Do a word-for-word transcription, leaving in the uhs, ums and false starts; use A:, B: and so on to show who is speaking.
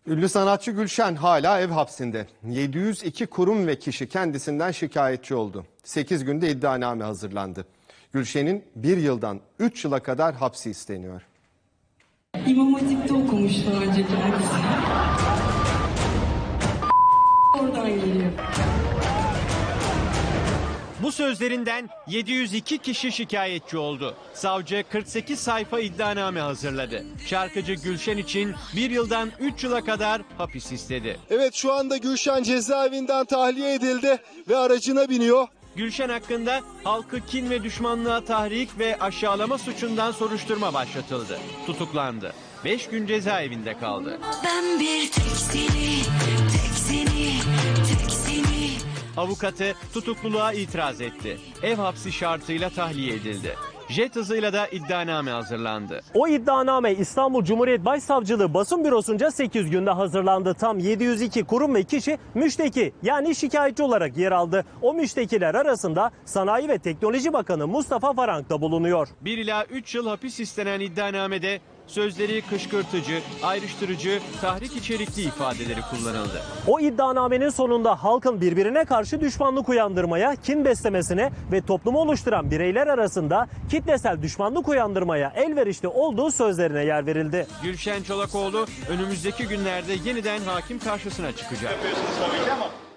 A: Ünlü sanatçı Gülşen hala ev hapsinde. yedi yüz iki kurum ve kişi kendisinden şikayetçi oldu. sekiz günde iddianame hazırlandı. Gülşen'in bir yıldan üç yıla kadar hapsi isteniyor.
B: İmam Hatip'te okumuş daha önce kendisi. Oradan geliyor.
C: Bu sözlerinden yedi yüz iki kişi şikayetçi oldu. Savcı kırk sekiz sayfa iddianame hazırladı. Şarkıcı Gülşen için bir yıldan üç yıla kadar hapis istedi.
D: Evet, şu anda Gülşen cezaevinden tahliye edildi ve aracına biniyor.
C: Gülşen hakkında halkı kin ve düşmanlığa tahrik ve aşağılama suçundan soruşturma başlatıldı. Tutuklandı. beş gün cezaevinde kaldı.
E: Ben bir tek seni, tek seni, tek seni.
C: Avukatı tutukluluğa itiraz etti. Ev hapsi şartıyla tahliye edildi. Jet hızıyla da iddianame hazırlandı.
F: O iddianame İstanbul Cumhuriyet Başsavcılığı basın bürosunca sekiz günde hazırlandı. Tam yedi yüz iki kurum ve kişi müşteki yani şikayetçi olarak yer aldı. O müştekiler arasında Sanayi ve Teknoloji Bakanı Mustafa Varank da bulunuyor.
C: bir ila üç yıl hapis istenen iddianamede sözleri kışkırtıcı, ayrıştırıcı, tahrik içerikli ifadeleri kullanıldı.
F: O iddianamenin sonunda halkın birbirine karşı düşmanlık uyandırmaya, kin beslemesine ve toplumu oluşturan bireyler arasında kitlesel düşmanlık uyandırmaya elverişli olduğu sözlerine yer verildi.
C: Gülşen Çolakoğlu önümüzdeki günlerde yeniden hakim karşısına çıkacak.